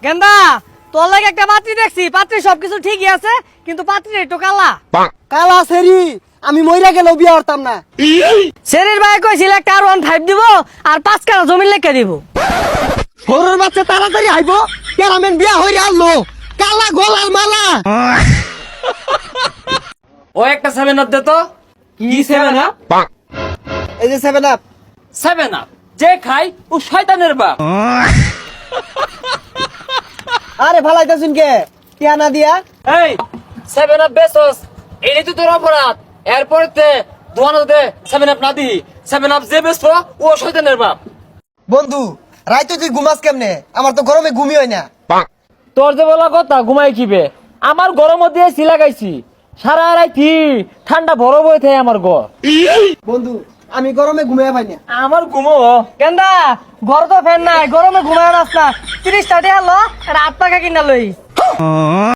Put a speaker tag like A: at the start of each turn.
A: গেন্দা তোর লাগে একটা পাত্রী দেখছি, পাত্রী সবকিছু ঠিকই আছে, কিন্তু পাত্রী একটু কালা।
B: কালা সেরি আমি মইরা গেলেও বিয়া করতাম না।
A: শেরির ভাই কইছিল একটা R15 দিব আর 5 কাঠা জমি লেখা দিব।
B: সরুর বাচ্চা তাড়াতাড়ি আইব, কেরামেন বিয়া হইরে আনলো, কালা গলার মালা।
C: ও একটা 7 আপ দে তো। কি 7 আপ?
B: এই যে 7 আপ।
C: 7 আপ যে খাই ও শয়তানের বাপ।
B: আরে ফালাইতাছুন কে টিয়া না দিয়া?
C: এই 7 আপ বেসস, এই তো তোর অপরাধ। এরপর তে দোয়ানো দে 7 আপ না দি। 7 আপ যে বেসো ও শয়তানের বাপ।
B: বন্ধু রাইতে তুই ঘুমাস কেমনে? আমার তো গরমে ঘুমই হয় না।
C: তোর যে বলা কথা ঘুমাই কিবে, আমার গরম দিয়ে লাগাইছি সারা রাইতি, ঠান্ডা বরফ হয়ে থাকে আমার ঘর।
B: বন্ধু আমি গরমে ঘুমিয়ে পাই না।
C: আমার ঘুমো
A: গেন্দা ঘর তো ফ্যান নাই, গরমে ঘুমায় রাস্তা 30 টাকা হলো, একটা 8 টাকা কিনা লই।